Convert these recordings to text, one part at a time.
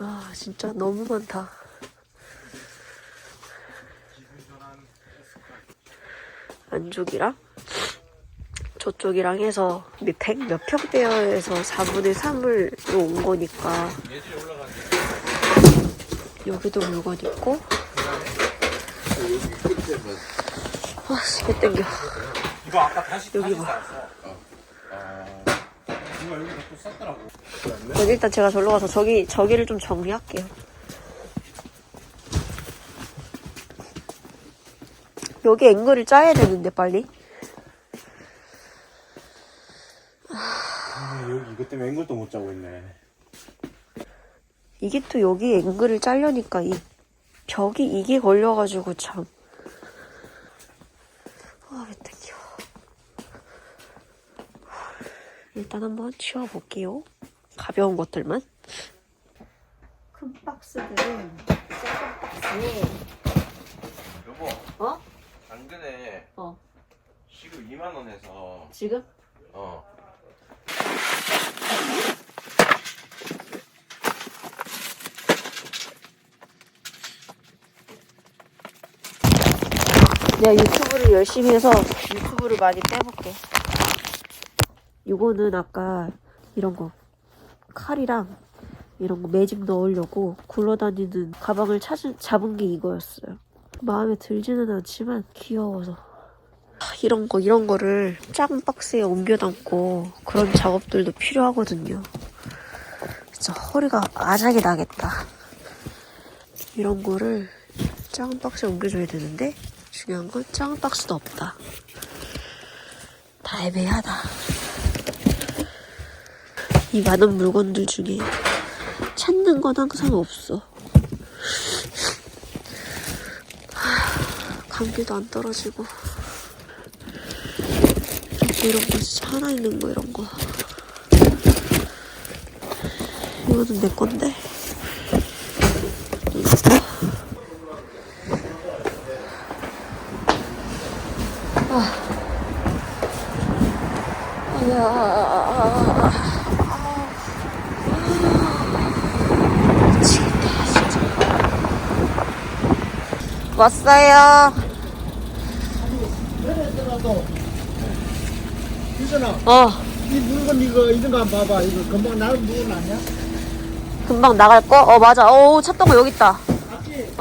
아 진짜 너무 많다. 안쪽이랑 저쪽이랑 해서 100 몇 평대여에서 4분의 3을 온 거니까 여기도 물건 있고. 아, 개 땡겨. 이거 아까 다시 여기 쌌어. 봐. 이거 여기다 또 쌌더라고. 그럼 일단 제가 절로 가서 저기를 좀 정리할게요. 여기 앵글을 짜야 되는데 빨리. 여기 이것 때문에 앵글도 못 짜고 있네. 이게 또 여기 앵글을 짜려니까 이 벽이 이게 걸려가지고 참. 아, 왜 땡겨. 일단 한번 치워볼게요. 가벼운 것들만. 큰 박스들은 작은 박스에. 여보. 어? 당근에. 시급 2만 원 해서. 지금? 내가 유튜브를 열심히 해서 유튜브를 많이 빼볼게. 이거는 아까 이런 거 칼이랑 이런 거 매집 넣으려고 굴러다니는 가방을 잡은 게 이거였어요. 마음에 들지는 않지만 귀여워서. 이런 거를 작은 박스에 옮겨 담고 그런 작업들도 필요하거든요. 진짜 허리가 아작이 나겠다. 이런 거를 작은 박스에 옮겨줘야 되는데 중요한 건 작은 박스도 없다. 다 애매하다. 이 많은 물건들 중에 찾는 건 항상 없어. 감기도 안 떨어지고. 이런 거 진짜 하나 있는 거 이런 거. 이거는 내 건데. 미치겠다 진짜. 왔어요. 유선아, 이 물건 이런 거 한번 봐봐. 이거 금방 나올 물건 아니야? 금방 나갈 거? 맞아. 찾던 거 여기 있다. 맞지?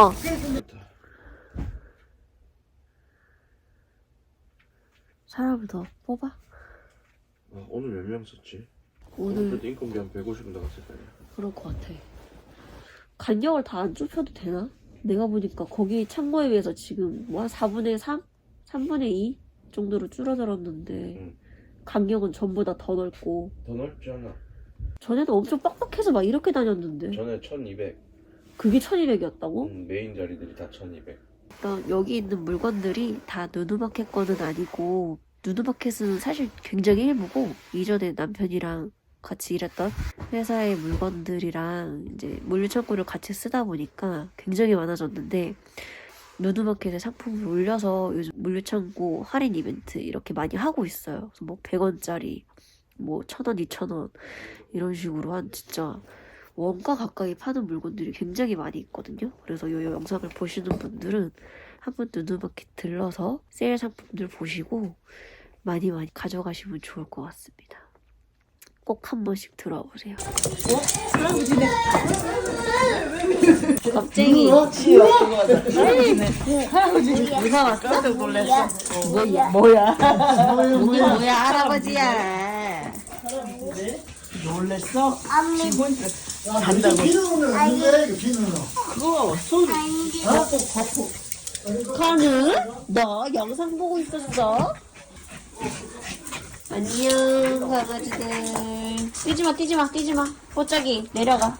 사람을 더 뽑아? 오늘 몇 명 썼지? 오늘 인건비 한 150원 나갔을 거 아니야? 그럴 것 같아. 간격을 다 안 좁혀도 되나? 내가 보니까 거기 창고에 비해서 지금 뭐 한 4분의 3? 3분의 2 정도로 줄어들었는데 응. 간격은 전부 다 더 넓고. 더 넓지 않아? 전에는 엄청 빡빡해서 막 이렇게 다녔는데 전에 1200. 그게 1200이었다고? 메인 자리들이 다 1200. 그러니까 여기 있는 물건들이 다 누누마켓 거는 아니고, 누누마켓은 사실 굉장히 일부고 이전에 남편이랑 같이 일했던 회사의 물건들이랑 이제 물류창고를 같이 쓰다 보니까 굉장히 많아졌는데, 누누마켓에 상품을 올려서 요즘 물류창고 할인 이벤트 이렇게 많이 하고 있어요. 그래서 뭐 100원짜리 뭐 1000원, 2000원 이런 식으로 한 진짜 원가 가까이 파는 물건들이 굉장히 많이 있거든요. 그래서 이 영상을 보시는 분들은 한번 누누마켓 들러서 세일 상품들 보시고 많이 가져가시면 좋을 것 같습니다. 꼭 한 번씩 들어보세요. 겁쟁이. 무서웠어? 깜짝 놀랐어. 뭐야? 뭐야 할아버지야. 놀랬어? 잔다고. 비누는 그거 손. 카는? 너 영상 보고 있었어? 안녕 강아지들. 뛰지마 뽀짝이 내려가.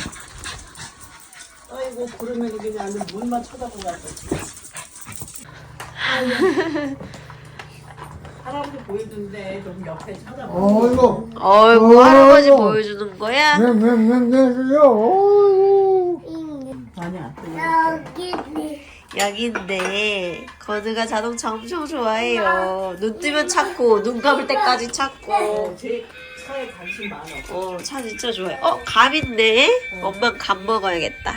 아이고 그러면 그냥 물만 쳐다보고 갔어. 할아버지 보이던데 좀 옆에 쳐다봐. 어이구. 어이구 할아버지 보여주는 거야? 많이 안 돼. 여기인데 건우가 자동차 엄청 좋아해요. 눈 뜨면 찾고 눈 감을 때까지 찾고. 제 차에 관심 많아. 차 진짜 좋아해. 감 있네. 엄마 감 먹어야겠다.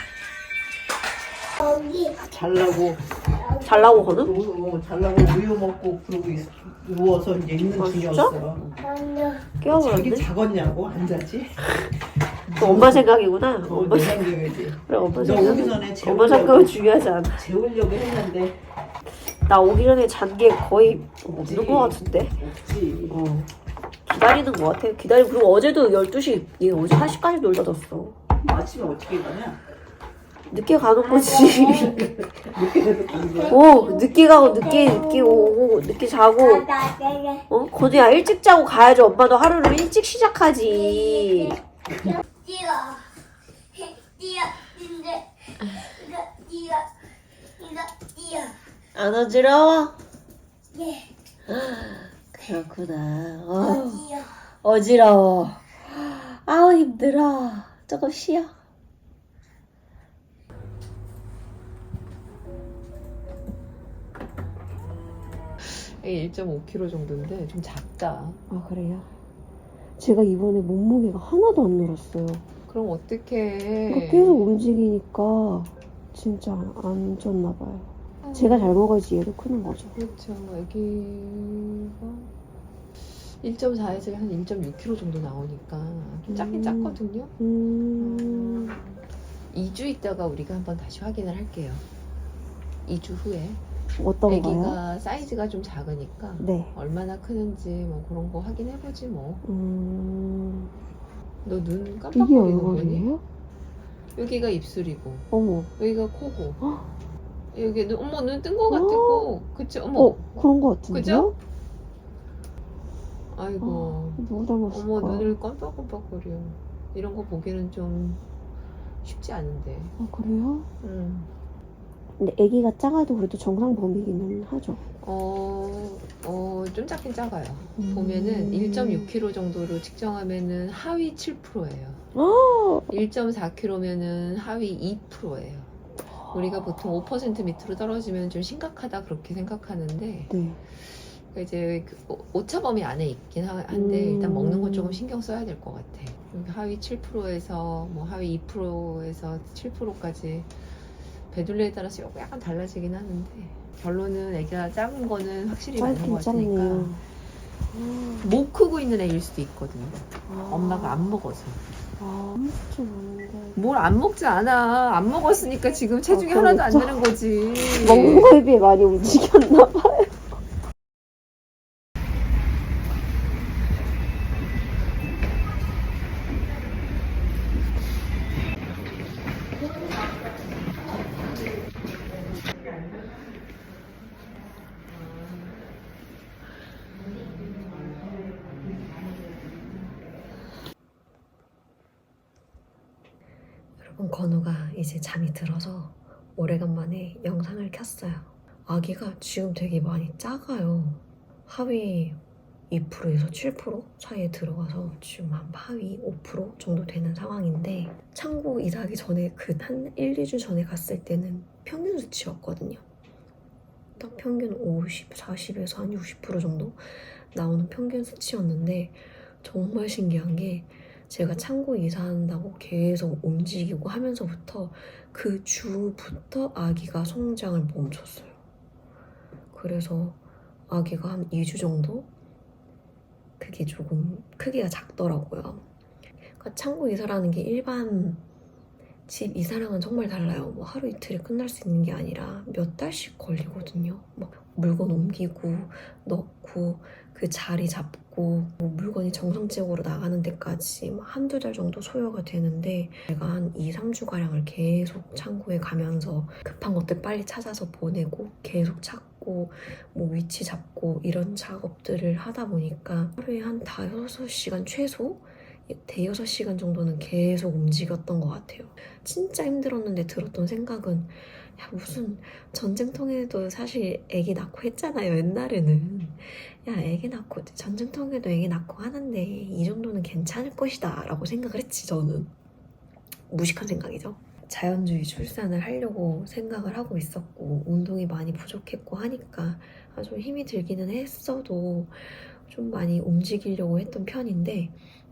잘라고 잘라고 거는? 잘라고 우유 먹고 그러고 누워서 이제 있는 아, 중이었어. 깨워버렸네. 자기 작았냐고 안 자지? 또 엄마 생각이구나. 엄마 내 생각. 생각이지. 그래 엄마 너 오기 생각. 전에 엄마 생각은 재우려고 중요하지 않아. 재우려고 했는데 나 오기 전에 잔 게 거의 없지. 없는 거 같은데. 없지. 기다리는 거 같아. 그리고 어제도 12시, 얘 어제 1시까지 놀다 잤어. 아침에 어떻게 가냐? 늦게 가는 거지. 늦게 돼서 가는 거야? 늦게 가고, 늦게 오고, 늦게 자고. 건우야, 일찍 자고 가야죠. 엄마도 하루를 일찍 시작하지. 안 어지러워? 그렇구나. 어지러워. 아우, 힘들어. 조금 쉬어. 이게 1.5kg 정도인데 좀 작다. 아, 그래요? 제가 이번에 몸무게가 하나도 안 늘었어요. 그럼 어떡해. 계속 움직이니까 진짜 안 쪘나 봐요. 제가 잘 먹어야지 얘도 크는 거죠. 그렇죠. 애기가 1.4에서 한 1.6kg 정도 나오니까 좀 작긴 작거든요. 2주 있다가 우리가 한번 다시 확인을 할게요. 2주 후에. 어떤 거요? 애기가 사이즈가 좀 작으니까 네. 얼마나 크는지 뭐 그런 거 확인해보지 뭐. 너 눈 이게 깜빡거리는 거니? 얼굴이에요? 여기가 입술이고 어머. 여기가 코고 여기 눈, 어머 눈 뜬 거 같고 그치? 어머 그런 거 같은데요? 그죠? 아이고 누구 닮았을까? 어머 눈을 깜빡깜빡거려. 이런 거 보기는 좀 쉽지 않은데. 그래요? 음. 근데 아기가 작아도 그래도 정상 범위기는 하죠. 좀 작긴 작아요. 보면은 1.6kg 정도로 측정하면은 하위 7%예요. 1.4kg면은 하위 2%예요. 우리가 보통 5% 밑으로 떨어지면 좀 심각하다 그렇게 생각하는데 네. 이제 그 오차범위 안에 있긴 한데 일단 먹는 건 조금 신경 써야 될 것 같아. 하위 7%에서 뭐 하위 2%에서 7%까지 배둘레에 따라서 약간 달라지긴 하는데 결론은 애기가 작은 거는 확실히 맞는 것 같으니까. 짧네요. 못 크고 있는 애일 수도 있거든요. 엄마가 안 먹어서. 좀 아는데. 뭘 안 먹지 않아. 안 먹었으니까 지금 체중이 그러겠죠. 하나도 안 되는 거지. 먹는 거에 비해 많이 움직였나 봐요. 여러분, 건우가 이제 잠이 들어서 오래간만에 영상을 켰어요. 아기가 지금 되게 많이 작아요. 하위 2%에서 7% 사이에 들어가서 지금 한 하위 5% 정도 되는 상황인데, 창고 이사하기 전에 한 1, 2주 전에 갔을 때는 평균 수치였거든요. 딱 평균 50, 40에서 한 60% 정도 나오는 평균 수치였는데, 정말 신기한 게 제가 창고 이사한다고 계속 움직이고 하면서부터 그 주부터 아기가 성장을 멈췄어요. 그래서 아기가 한 2주 정도? 그게 조금 크기가 작더라고요. 그러니까 창고 이사라는 게 일반 집 이사랑은 정말 달라요. 뭐 하루 이틀에 끝날 수 있는 게 아니라 몇 달씩 걸리거든요. 막 물건 옮기고 넣고 그 자리 잡고 뭐 물건이 정상적으로 나가는 데까지 한두 달 정도 소요가 되는데, 제가 한 2, 3주가량을 계속 창고에 가면서 급한 것들 빨리 찾아서 보내고 계속 찾고 뭐 위치 잡고 이런 작업들을 하다 보니까 하루에 한 5-6시간 최소? 대여섯 시간 정도는 계속 움직였던 것 같아요. 진짜 힘들었는데 들었던 생각은, 야, 무슨 전쟁통에도 사실 애기 낳고 했잖아요, 옛날에는. 야, 애기 낳고 전쟁통에도 애기 낳고 하는데 이 정도는 괜찮을 것이다 라고 생각을 했지. 저는 무식한 생각이죠. 자연주의 출산을 하려고 생각을 하고 있었고, 운동이 많이 부족했고 하니까 좀 힘이 들기는 했어도 좀 많이 움직이려고 했던 편인데,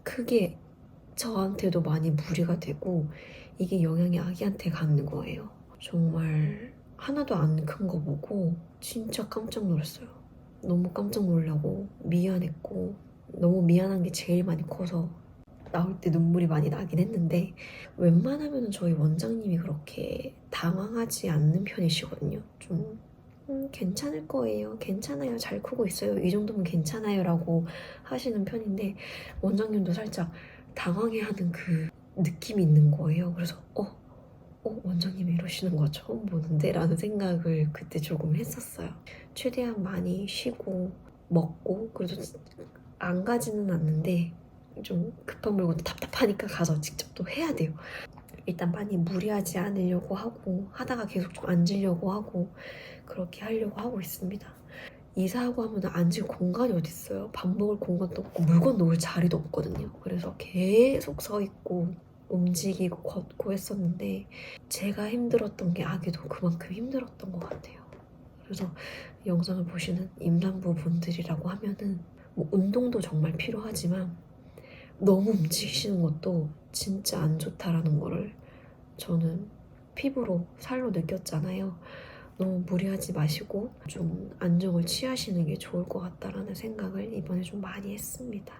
크게 저한테도 많이 무리가 되고 이게 영향이 아기한테 가는 거예요. 정말 하나도 안 큰 거 보고 진짜 깜짝 놀랐어요. 너무 깜짝 놀라고 미안했고 너무 미안한 게 제일 많이 커서 나올 때 눈물이 많이 나긴 했는데 웬만하면 저희 원장님이 그렇게 당황하지 않는 편이시거든요. 좀 괜찮을 거예요. 괜찮아요. 잘 크고 있어요. 이 정도면 괜찮아요. 라고 하시는 편인데 원장님도 살짝 당황해하는 그 느낌이 있는 거예요. 그래서 원장님이 이러시는 거 처음 보는데 라는 생각을 그때 조금 했었어요. 최대한 많이 쉬고 먹고 그래도 안 가지는 않는데 좀 급한 물건 답답하니까 가서 직접 또 해야 돼요. 일단 많이 무리하지 않으려고 하고 하다가 계속 좀 앉으려고 하고 그렇게 하려고 하고 있습니다. 이사하고 하면 앉을 공간이 어딨어요. 밥 먹을 공간도 없고 물건 놓을 자리도 없거든요. 그래서 계속 서 있고 움직이고 걷고 했었는데 제가 힘들었던 게 아기도 그만큼 힘들었던 것 같아요. 그래서 영상을 보시는 임산부 분들이라고 하면은 뭐 운동도 정말 필요하지만 너무 움직이시는 것도 진짜 안 좋다라는 거를 저는 피부로 살로 느꼈잖아요. 너무 무리하지 마시고 좀 안정을 취하시는 게 좋을 것 같다라는 생각을 이번에 좀 많이 했습니다.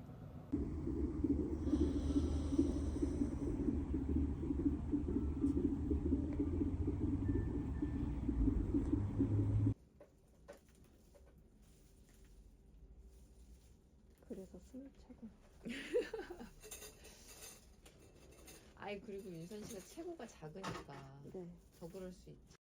그래서 숨이 차고. 아이 그리고 윤선 씨가 체구가 작으니까 네. 더 그럴 수 있지.